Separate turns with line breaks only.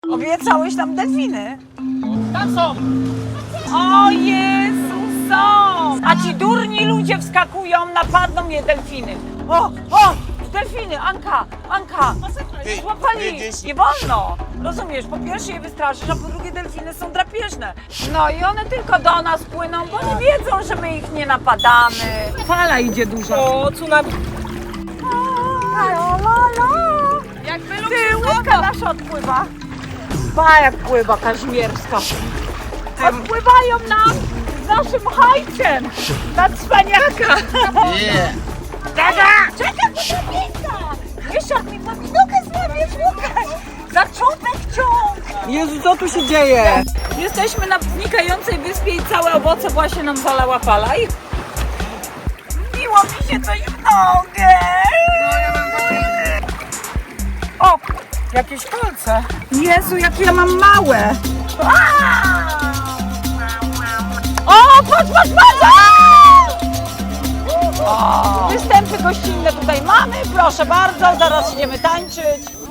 Obiecałeś nam delfiny.
Tam są!
O Jezu, są! A ci durni ludzie wskakują, napadną je delfiny. O, delfiny, Anka, złapali, nie wolno. Rozumiesz, po pierwsze je wystraszysz, a po drugie delfiny są drapieżne. No i one tylko do nas płyną, bo nie wiedzą, że my ich nie napadamy. Fala idzie duża. O, tsunami.
Jakby
Ty, łódka nasza odpływa. Pa, jak pływa Kazimierska. Odpływają nam z naszym hajcem na cwaniaka.
Nie!
Czekaj, bo to miejsca. Jeszcze mi powinnokę złapiesz, Łukasz. Za czubek ciąg.
Jezu, co tu się dzieje?
Jesteśmy na znikającej wyspie i całe owoce właśnie nam zalała fala i... Biło mi się coś w nogę. O, jakieś kolce. Jezu, jakie ja mam małe. O, patrz! Występy gościnne tutaj mamy, proszę bardzo, zaraz idziemy tańczyć.